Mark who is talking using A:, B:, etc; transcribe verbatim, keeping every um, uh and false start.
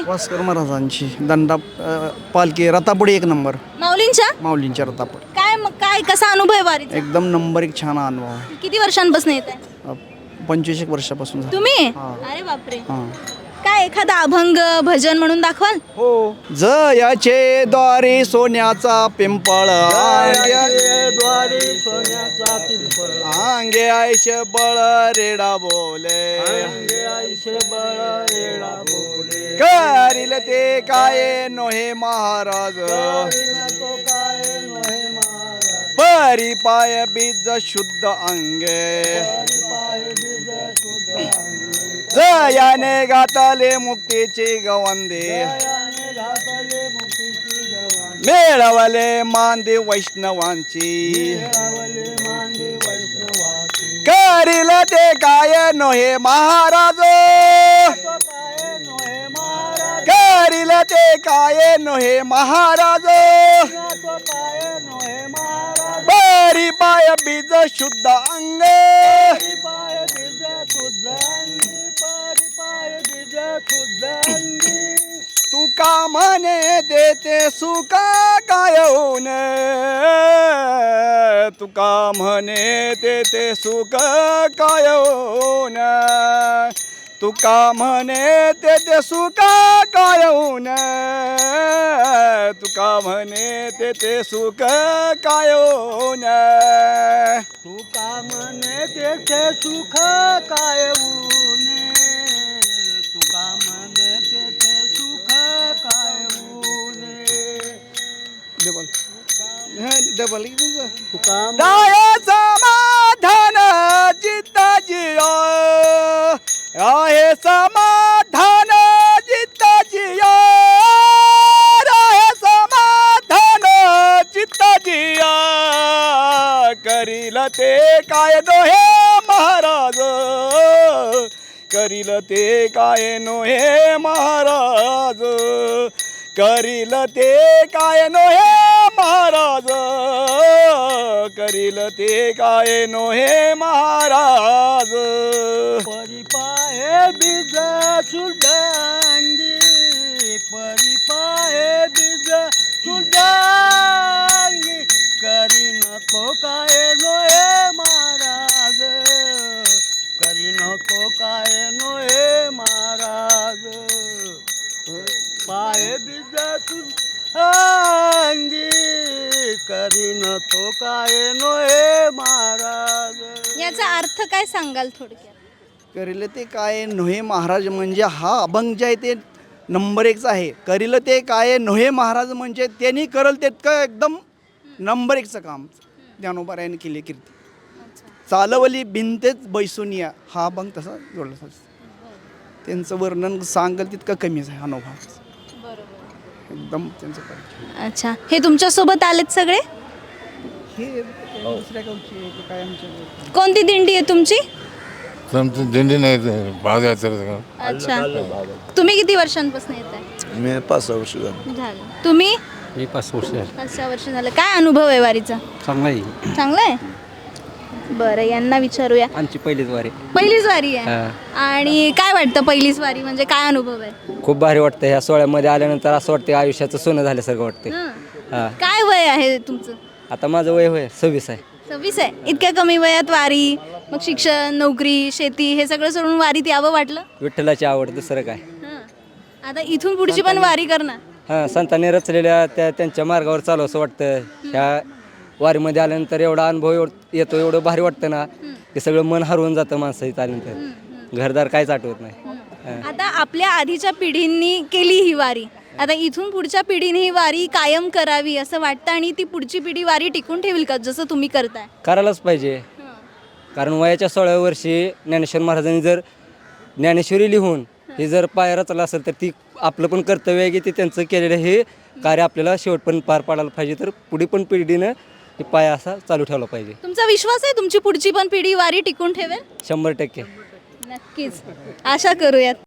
A: वास्कर महाराजांची दंडा अ, पालखी रथापुढे एक नंबर.
B: माऊलींच्या
A: माऊलींच्या रथापुढे
B: काय मग काय कसा अनुभव आहे वारीचा?
A: एकदम नंबर एक छान अनुभव आहे.
B: किती वर्षांपासून येत आहे
A: अ, पंचवीस एक वर्षापासून झालं.
B: तुम्ही?
A: हा.
B: अरे बापरे.
A: हां.
B: काय एखादा अभंग भजन म्हणून दाखवाल?
A: हो. जयाचे द्वारे सोन्याचा पिंपळ
C: द्वारे सोन्याचा पिंपळ
A: आंगे आयचे बळ रेडा बोले
C: अंगे आईशे बळ रेडा बोले
A: करील ते काय नोहे महाराज
C: करीन तो काय नोहे महाराज
A: परी पाय बीज शुद्ध अंगे
C: हरी पाय बीज शुद्ध अंगे
A: जयाने गातले मुक्तीची गवंदे
C: जयाने घातले मुक्तीची गवाण
A: मिळवले मांदे वैष्णवांची
C: मिळवले मांडे वैष्णवाची
A: करील ते काय नोहे महाराज
C: तो काय नोहे महाराज
A: करील ते काय नोहे महाराज
C: तो काय नोहे महाराज
A: परी पाय बीज शुद्ध अंगे
C: हरी पाय बीज शुद्ध अंगी परी पाय बीज शुद्ध अंगी
A: तुका म्हणे देते सुका काय होऊन तुका म्हणे देते सुख काय होऊन तुका म्हणे देते सुख काय होऊन तुका म्हणे देते सुख काय होऊन
C: तू का म्हणे तेथे सुख काय ऊने तू का म्हणे तेथे सुख काय ऊने
A: डबल डबल
C: तू का
A: दाय समाधान चित्ताजिया आहे समाधान चित्ताजिया आहे समाधान चित्ताजिया करील ते काय नोहे महाराज करील ते काय नोहे महाराज करील ते काय नोहे महाराज करील ते काय नोहे महाराज
C: परिपाये बीज सुधांगी परिपाये बीज सुधांगी करी नको काय नोहे महाराज करी नको काय नोहे महाराज पाय बीज सुधांगी करी नको काय नोहे महाराज
B: याचा अर्थ काय सांगाल थोडक्यात?
A: करील ते काय नोहे महाराज म्हणजे हा अभंग जे आहे ते नंबर एकचा आहे. करील ते काय नोहे महाराज म्हणजे त्यांनी करल तितकं एकदम नंबर एकचं काम ज्ञानोबारायाने केले कीर्ती. चालवली भिंतेच बैसुनिया हा अभंग तसा जोडला. त्यांचं वर्णन सांगल तितकं कमीच आहे अनुभव एकदम त्यांचं परिचय.
B: अच्छा, हे तुमच्या सोबत आलेत सगळे?
A: हे दुसऱ्या गावचे ते काय आमच्या
B: कोणती दिंडी आहे तुमची?
D: आमचं दिंडी नाही पादयात्रा.
B: अच्छा, तुम्ही किती वर्षांपासून येत आहे?
E: मी पाच सहा वर्ष झालं.
B: झालं. तुम्ही?
F: मी पाच वर्ष झाली.
B: पाच सहा वर्ष झालं. काय अनुभव आहे वारीचा?
F: चांगला आहे.
B: चांगला आहे. बरं, यांना विचारूया.
F: आमची पहिलीच वारी.
B: पहिलीच वारी आहे.
F: हा.
B: आणि काय वाटतं पहिलीच वारी म्हणजे काय अनुभव आहे?
F: खूप भारी वाटतं. ह्या सोहळ्यामध्ये आल्यानंतर असं वाटतं आयुष्याचं सोनं झाल्यासारखं वाटतं.
B: हं.
F: हा.
B: काय वय आहे तुमचं?
F: आता माझं वय होय सव्वीस आहे.
B: सव्वीस आहे. इतक्या कमी वयात वारी, मग शिक्षण, नोकरी, शेती हे सगळं सोडून वारीत यावं वाटलं?
F: विठ्ठलाची आवड, दुसरं काय.
B: हं. आता इथून पुढची पण वारी करणार?
F: हां, संतांनी रचलेल्या त्या त्यांच्या मार्गावर चालू असं वाटतं. ह्या वारीमध्ये आल्यानंतर एवढा अनुभव एवढ येतो, एवढं भारी वाटतं ना ते सगळं मन हरवून जातं माणसं इथं आल्यानंतर. घरदार काहीच आठवत नाही. हां.
B: आता आपल्या आधीच्या पिढींनी केली ही वारी, आता इथून पुढच्या पिढीने ही वारी कायम करावी असं वाटतं आणि ती पुढची पिढी वारी टिकून ठेवील का जसं तुम्ही करताय?
F: करायलाच पाहिजे. कारण वयाच्या सोळाव्या वर्षी ज्ञानेश्वर महाराजांनी जर ज्ञानेश्वरी लिहून हे जर पाय रचला असेल तर ती आपलं पण कर्तव्य आहे की ते त्यांचं केलेलं हे कार्य आपल्याला शेवटपर्यंत पार पाडायला पाहिजे. तर पुढे पण पिढीनं हे पाय असा चालू ठेवला पाहिजे.
B: तुमचा विश्वास आहे तुमची पुढची पण पिढी वारी टिकून ठेवेल?
F: शंभर टक्के.
B: नक्कीच, आशा करूयात.